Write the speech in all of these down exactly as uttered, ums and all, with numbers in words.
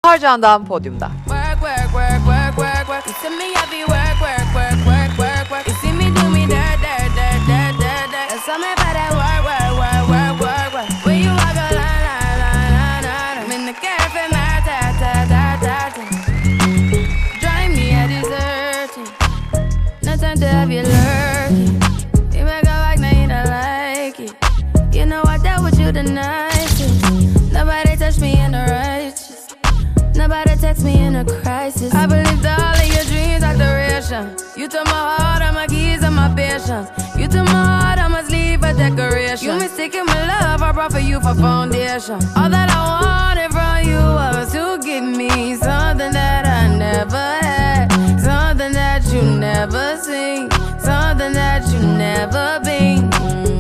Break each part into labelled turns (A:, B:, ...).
A: Tarcan'dan podyumda.
B: Work, work, work, work, work, work. You see me, I be work, work, work, work, work, work. You see me do me dirt, dirt, dirt, dirt, dirt, dirt. There's something about that work, work, work, work, work, work. When you walk a line, line, line, line, line. I'm in the cafe, my ta, ta, ta, ta, ta. Drive me a deserting. No time to have you lurking. You make a like, now you don't like it. You know I dealt with you the nicest. Nobody touched me in the righteous. Nobody text me in a crisis. I believed all of your dreams are duration. You took my heart, all my keys, and my patience. You took my heart, I must leave a decoration. You mistaken my love, I brought for you for foundation. All that I wanted from you was to give me something that I never had, something that you never seen, something that you never been.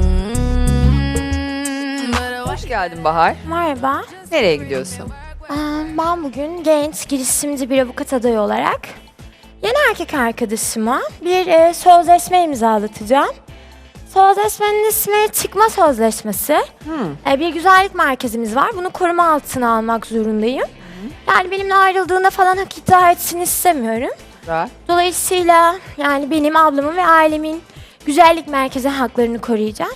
B: Mm-hmm.
A: Hoş geldin Bahar.
C: Merhaba.
A: Nereye gidiyorsun?
C: Ee, Ben bugün genç girişimci bir avukat adayı olarak yeni erkek arkadaşıma bir e, sözleşme imzalatacağım. Sözleşmenin ismi çıkma sözleşmesi.
A: Hmm.
C: E, bir güzellik merkezimiz var. Bunu koruma altına almak zorundayım. Yani benimle ayrıldığında falan hak iddia etsin istemiyorum.
A: Güzel.
C: Dolayısıyla yani benim ablamın ve ailemin güzellik merkezi haklarını koruyacağım.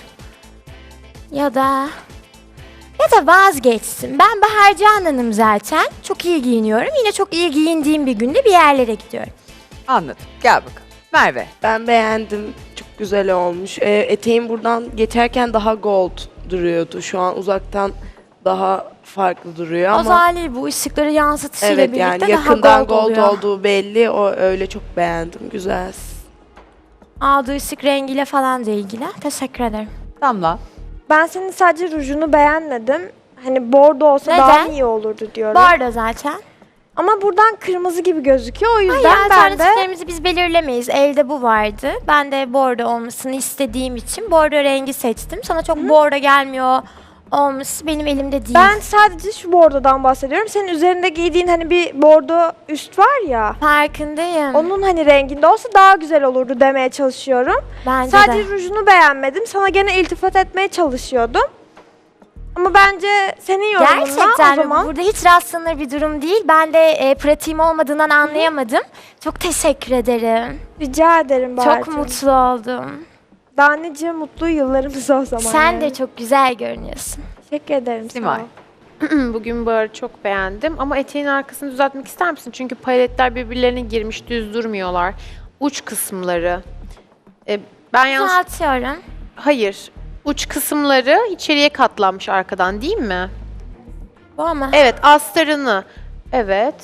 C: Ya da ya da vazgeçsin. Ben Bahar Canan'ım zaten. Çok iyi giyiniyorum. Yine çok iyi giyindiğim bir günde bir yerlere gidiyorum.
A: Anladım. Gel bakalım. Merve.
D: Ben beğendim. Çok güzel olmuş. Ee, eteğim buradan geçerken daha gold duruyordu. Şu an uzaktan daha farklı duruyor ama
C: Azali bu ışıkları yansıtışıyla
D: evet,
C: birlikte
D: yani
C: daha
D: yakından
C: gold,
D: gold,
C: oluyor.
D: olduğu belli. O öyle çok beğendim. Güzel.
C: Aldığı ışık rengiyle falan da ilgili. Teşekkür ederim.
A: Damla.
E: Ben senin sadece rujunu beğenmedim. Hani bordo olsa
C: Neden?
E: daha iyi olurdu diyorum.
C: Var da zaten.
E: Ama buradan kırmızı gibi gözüküyor. O
C: Hayır,
E: yüzden ben de
C: alternatiflerimizi biz belirlemeyiz. Elde bu vardı. Ben de bordo olmasını istediğim için bordo rengi seçtim. Sana çok bordo gelmiyor olması benim elimde değil.
E: ben sadece şu bordodan bahsediyorum. Senin üzerinde giydiğin hani bir bordo üst var ya.
C: Farkındayım.
E: Onun hani renginde olsa daha güzel olurdu demeye çalışıyorum.
C: Bence
E: Sadece
C: de.
E: rujunu beğenmedim. Sana gene iltifat etmeye çalışıyordum. Ama bence senin yorumunla
C: Gerçekten
E: o zaman...
C: burada hiç rastlanır bir durum değil. Ben de e, pratiğim olmadığından anlayamadım. Çok teşekkür ederim.
E: Rica ederim Bahar'cığım.
C: Çok mutlu oldum.
E: Daha nice mutlu yıllarımız o zaman.
C: Sen
E: yani.
C: de çok güzel görünüyorsun.
E: Teşekkür ederim. sağ
A: Simay.
E: ol.
F: Bugün Bahar'ı çok beğendim ama eteğin arkasını düzeltmek ister misin? Çünkü paletler birbirlerine girmiş, düz durmuyorlar. Uç kısımları. E, ben yanlış...
C: Düzeltiyorum.
F: Hayır. Uç kısımları içeriye katlanmış arkadan değil mi?
C: Bu ama.
F: Evet, astarını. Evet.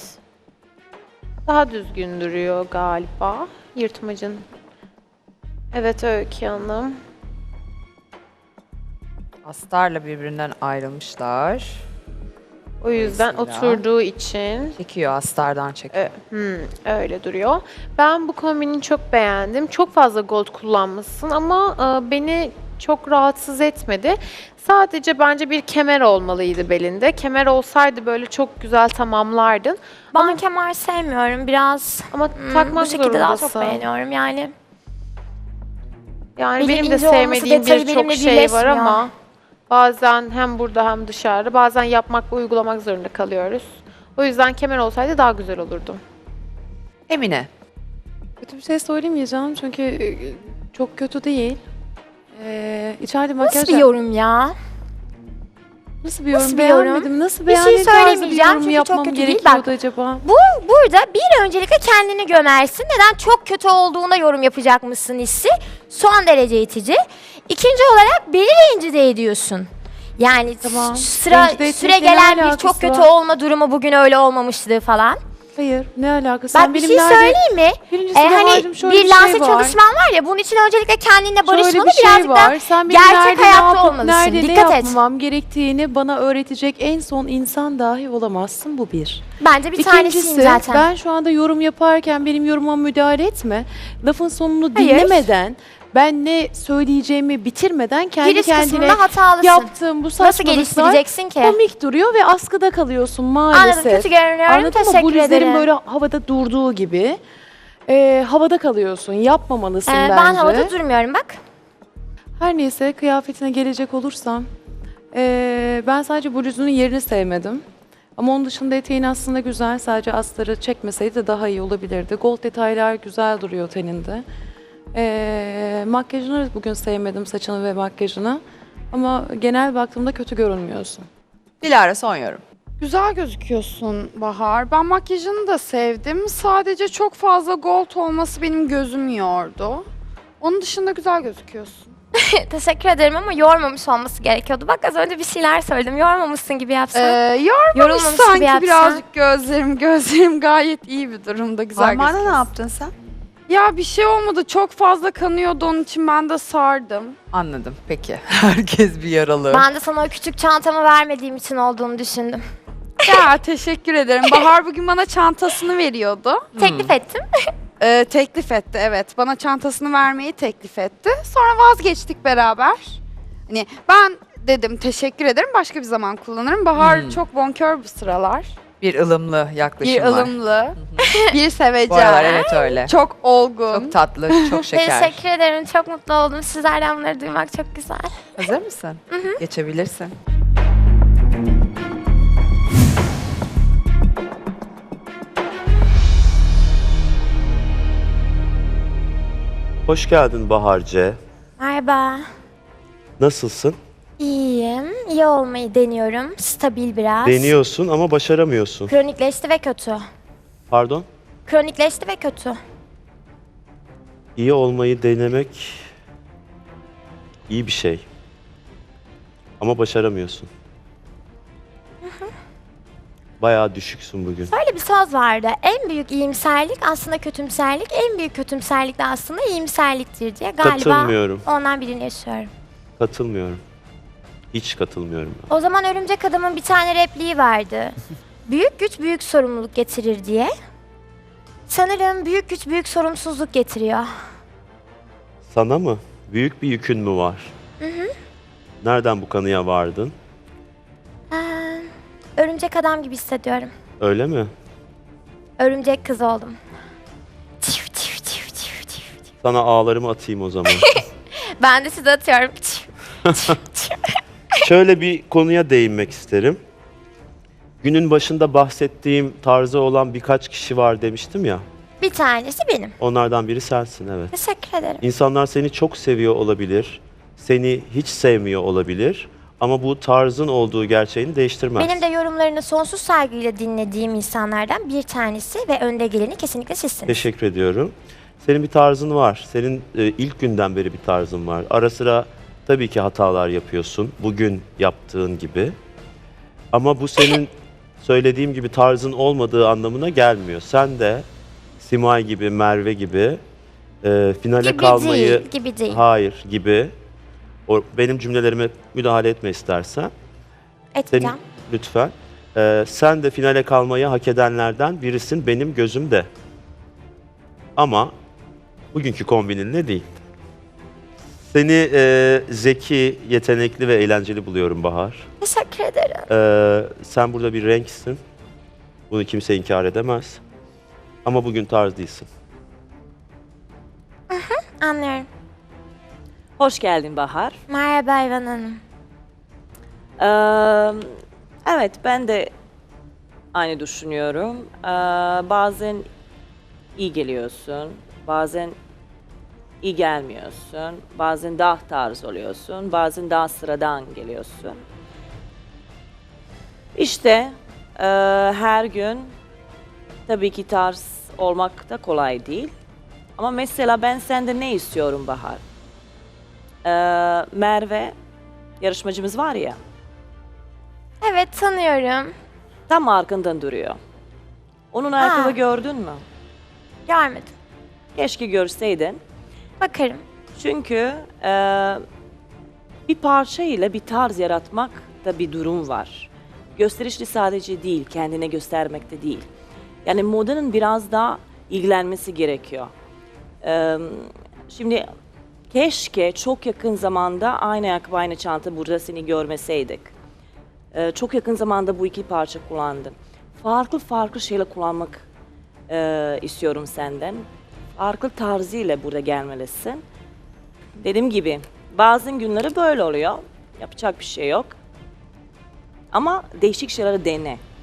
F: Daha düzgün duruyor galiba. Yırtmacın. Evet Öykü Hanım.
A: Astarla birbirinden ayrılmışlar.
F: O yüzden
A: Dolayısıyla-
F: oturduğu için
A: Çekiyor, astardan çekiyor.
F: Ö- hmm, öyle duruyor. Ben bu kombini çok beğendim. Çok fazla gold kullanmışsın ama e, beni çok rahatsız etmedi. Sadece bence bir kemer olmalıydı belinde. Kemer olsaydı böyle çok güzel tamamlardın.
C: Ben
F: Ama,
C: kemer sevmiyorum. Biraz
F: ama
C: hmm,
F: takmak
C: bu şekilde daha
F: zorundasın.
C: çok beğeniyorum yani.
F: Yani
C: Benim
F: benim de
C: ince olması,
F: sevmediğim
C: detayı
F: birçok
C: benimle
F: şey var
C: birleşmiyor.
F: ama bazen hem burada hem dışarıda bazen yapmak ve uygulamak zorunda kalıyoruz. O yüzden kemer olsaydı daha güzel olurdu.
A: Emine.
G: Kötü bir şey söylemeyeceğim çünkü e, çok kötü değil. Ee, içeride
C: Nasıl
G: makyaj...
C: bir yorum ya?
G: Nasıl bir yorum?
C: Nasıl bir yorum?
G: Beğenmedim. Nasıl
C: Bir şey
G: beğendiğin tarzı
C: söylemeyeceğim
G: yorum
C: çünkü çok
G: yapmam
C: kötü değil.
G: gerekiyordu
C: Bak,
G: acaba?
C: Bu burada bir öncelikle kendini gömersin. Neden? Çok kötü olduğuna yorum yapacak mısın hissi son derece itici. İkinci olarak beni rencide ediyorsun. Yani
G: Tamam.
C: sıra
G: Rencide etmekle
C: süre
G: ne
C: gelen bir
G: alakası
C: çok kötü
G: var?
C: olma durumu bugün öyle olmamıştı falan.
G: Hayır. Ne alakası?
C: Bak
G: Sen
C: bir
G: benim
C: şey
G: nerede-
C: söyleyeyim mi?
G: Birincisi
C: Ee, hani
G: Bahar'cığım şöyle
C: bir
G: bir
C: lanse
G: şey var.
C: çalışman var ya, bunun için öncelikle kendinle
G: Şöyle
C: barışmalı,
G: bir şey
C: birazcık da
G: var. Sen benim
C: gerçek
G: nerede ne
C: hayatta
G: yapıp
C: olmalısın.
G: nerede
C: Dikkat
G: ne
C: et.
G: yapmam gerektiğini bana öğretecek en son insan dahi olamazsın. Bu bir.
C: Bence bir tanesiyim
G: İkincisi,
C: zaten.
G: ben şu anda yorum yaparken benim yorumuma müdahale etme. Lafın sonunu
C: Hayır.
G: dinlemeden, ben ne söyleyeceğimi bitirmeden kendi
C: Giriş
G: kendine
C: kısmında hatalısın.
G: yaptığım bu
C: Nasıl
G: saçmalıklar
C: geliştireceksin ki?
G: komik duruyor ve askıda kalıyorsun maalesef.
C: Anladım, kötü görünüyorum.
G: Anladın mı?
C: Teşekkür
G: Bu rüzgarın
C: ederim.
G: böyle havada durduğu gibi. Ee, havada kalıyorsun. Yapmamalısın
C: Ee,
G: bence.
C: ben havada durmuyorum bak.
G: Her neyse, kıyafetine gelecek olursam, ee, ben sadece bluzunun yerini sevmedim. Ama onun dışında eteğin aslında güzel. Sadece astarı çekmeseydi de daha iyi olabilirdi. Gold detaylar güzel duruyor teninde. Ee, makyajını bugün sevmedim, saçını ve makyajını. Ama genel baktığımda kötü görünmüyorsun.
A: Dilara son yorum.
H: Güzel gözüküyorsun Bahar. Ben makyajını da sevdim. Sadece çok fazla gold olması benim gözümü yordu. Onun dışında güzel gözüküyorsun.
C: Teşekkür ederim ama yormamış olması gerekiyordu. Bak az önce bir şeyler söyledim. Yormamışsın gibi
H: Ee,
C: yapsan.
H: yormamış
C: Yorulmamış gibi
H: sanki
C: yapsan.
H: birazcık gözlerim. Gözlerim gayet iyi bir durumda. Güzel
A: Armağan'a ne
H: gözüküyorsun.
A: yaptın sen?
H: Ya bir şey olmadı. Çok fazla kanıyordu. Onun için ben de sardım.
A: Anladım. Peki. Herkes bir yaralı.
C: Ben de sana o küçük çantamı vermediğim için olduğunu düşündüm.
H: Ya teşekkür ederim. Bahar bugün bana çantasını veriyordu.
C: Teklif ettim.
H: Ee, teklif etti, evet. Bana çantasını vermeyi teklif etti. Sonra vazgeçtik beraber. Hani ben dedim teşekkür ederim, başka bir zaman kullanırım. Bahar
A: Hmm.
H: çok bonkör bu sıralar.
A: Bir ılımlı yaklaşım
H: Bir
A: var.
H: ılımlı, bir
A: Bu
H: sevecen,
A: aralar evet öyle.
H: çok olgun.
A: Çok tatlı, çok şeker.
C: Teşekkür ederim. Çok mutlu oldum. Sizlerden bunları duymak çok güzel.
A: Hazır mısın? Geçebilirsin.
I: Hoş geldin Bahar C.
C: Merhaba.
I: Nasılsın?
C: İyiyim. İyi olmayı deniyorum. Stabil biraz.
I: Deniyorsun ama başaramıyorsun.
C: Kronikleşti ve kötü.
I: Pardon?
C: Kronikleşti ve kötü.
I: İyi olmayı denemek iyi bir şey. Ama başaramıyorsun. Bayağı düşüksün bugün.
C: Böyle bir söz vardı. En büyük iyimserlik aslında kötümserlik. En büyük kötümserlik de aslında iyimserliktir diye. Galiba
I: Katılmıyorum.
C: ondan birini yaşıyorum.
I: Katılmıyorum. Hiç katılmıyorum ben.
C: O zaman Örümcek Adam'ın bir tane repliği vardı. Büyük güç büyük sorumluluk getirir diye. Sanırım büyük güç büyük sorumsuzluk getiriyor.
I: Sana mı? Büyük bir yükün mü var? Nereden bu kanıya vardın?
C: Ee, örümcek adam gibi hissediyorum.
I: Öyle mi?
C: Örümcek kız oldum. Tif, tif, tif, tif, tif.
I: Sana ağlarımı atayım o zaman.
C: Ben de size atıyorum. Tif, tif, tif.
I: Şöyle bir konuya değinmek isterim. Günün başında bahsettiğim tarzı olan birkaç kişi var demiştim ya.
C: Bir tanesi benim.
I: Onlardan biri sensin, evet.
C: Teşekkür ederim.
I: İnsanlar seni çok seviyor olabilir, seni hiç sevmiyor olabilir ama bu tarzın olduğu gerçeğini değiştirmez.
C: Benim de yorumlarını sonsuz saygıyla dinlediğim insanlardan bir tanesi ve önde geleni kesinlikle sizsiniz.
I: Teşekkür ediyorum. Senin bir tarzın var. Senin e, ilk günden beri bir tarzın var. Ara sıra tabii ki hatalar yapıyorsun. Bugün yaptığın gibi. Ama bu senin söylediğim gibi tarzın olmadığı anlamına gelmiyor. Sen de Simay gibi, Merve gibi e, finale
C: Gibi
I: kalmayı...
C: değil, gibi değil.
I: Hayır gibi. O, benim cümlelerime müdahale etme istersen. Senin,
C: Etmeyeceğim.
I: lütfen. Ee, sen de finale kalmayı hak edenlerden birisin benim gözümde. Ama bugünkü kombininle değil. Seni e, zeki, yetenekli ve eğlenceli buluyorum Bahar.
C: Teşekkür ederim.
I: Ee, sen burada bir renksin. Bunu kimse inkar edemez. Ama bugün tarz değilsin.
C: Anlıyorum.
J: Hoş geldin Bahar.
C: Merhaba İvan Hanım.
J: Ee, evet, ben de aynı düşünüyorum. Ee, bazen iyi geliyorsun, bazen iyi gelmiyorsun, bazen daha tarz oluyorsun, bazen daha sıradan geliyorsun. İşte e, her gün tabii ki tarz olmak da kolay değil. Ama mesela ben senden ne istiyorum Bahar? Ee, Merve, yarışmacımız var ya,
C: Evet tanıyorum.
J: tam arkandan duruyor. Onun ayakkabı
C: Ha.
J: gördün mü?
C: Görmedim.
J: Keşke görseydin.
C: Bakarım.
J: Çünkü e, bir parça ile bir tarz yaratmak da bir durum var. Gösterişli sadece değil, kendine göstermekte değil. Yani modanın biraz daha ilgilenmesi gerekiyor. E, şimdi keşke çok yakın zamanda aynı ayakkabı, aynı çanta burada seni görmeseydik. E, çok yakın zamanda bu iki parça kullandım. Farklı farklı şeyler kullanmak e, istiyorum senden. Farklı tarzıyla burada gelmelisin. Dediğim gibi bazen günleri böyle oluyor. Yapacak bir şey yok. Ama değişik şeyleri dene.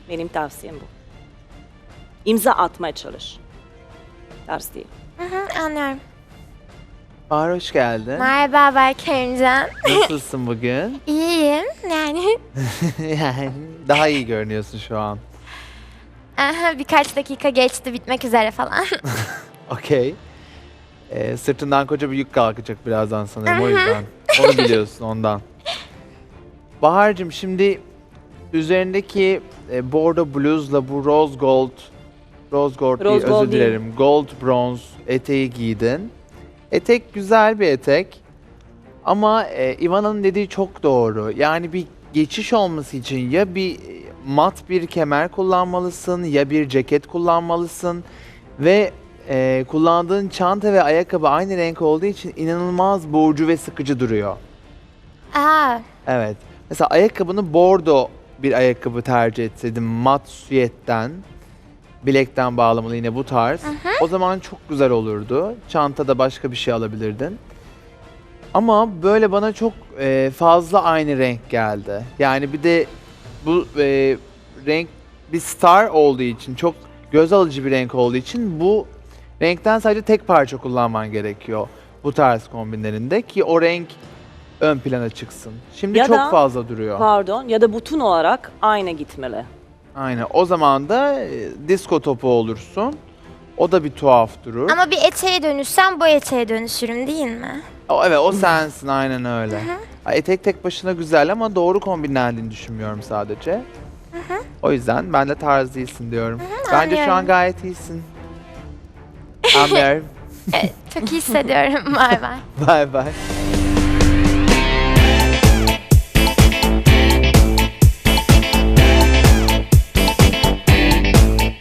J: Benim tavsiyem bu. İmza atmaya çalış. Tarz değil.
C: Hı hı, anlıyorum.
K: Bahar hoş geldin.
C: Merhaba Berkerimcan.
K: Nasılsın bugün?
C: İyiyim yani.
K: Yani daha iyi görünüyorsun şu an.
C: Aha, birkaç dakika geçti bitmek üzere falan.
K: Okey. Ee, sırtından koca bir yük kalkacak birazdan sanırım o yüzden. Onu biliyorsun ondan. Bahar'cığım şimdi üzerindeki e, bordo bluzla bu rose gold, rose gold değil
J: Rose gold
K: özür dilerim. Gold bronze eteği giydin. Etek güzel bir etek. Ama e, Ivana'nın dediği çok doğru. Yani bir geçiş olması için ya bir mat bir kemer kullanmalısın ya bir ceket kullanmalısın ve e, kullandığın çanta ve ayakkabı aynı renk olduğu için inanılmaz boğucu ve sıkıcı duruyor.
C: Aa,
K: Evet. Mesela ayakkabını bordo bir ayakkabı tercih etseydin mat süetten, bilekten bağlamalı yine bu tarz. O zaman çok güzel olurdu. Çantada başka bir şey alabilirdin. Ama böyle bana çok e, fazla aynı renk geldi. Yani bir de bu e, renk bir star olduğu için, çok göz alıcı bir renk olduğu için bu renkten sadece tek parça kullanman gerekiyor bu tarz kombinlerinde ki o renk ön plana çıksın. Şimdi
J: Ya
K: çok
J: da-
K: fazla duruyor.
J: Pardon ya da bütün olarak aynı gitmeli.
K: Aynen. O zaman da e, disko topu olursun. O da bir tuhaf durur.
C: ama bir eteğe dönüşsem bu eteğe dönüşürüm değil mi?
K: O, evet o sensin aynen öyle. Ha, Etek tek başına güzel ama doğru kombinlendiğini düşünmüyorum sadece. O yüzden ben de tarz değilsin diyorum. Bence şu an
C: anlıyorum.
K: gayet iyisin. Anlıyorum.
C: Evet, çok iyi hissediyorum. Bay bay.
K: Bye bye.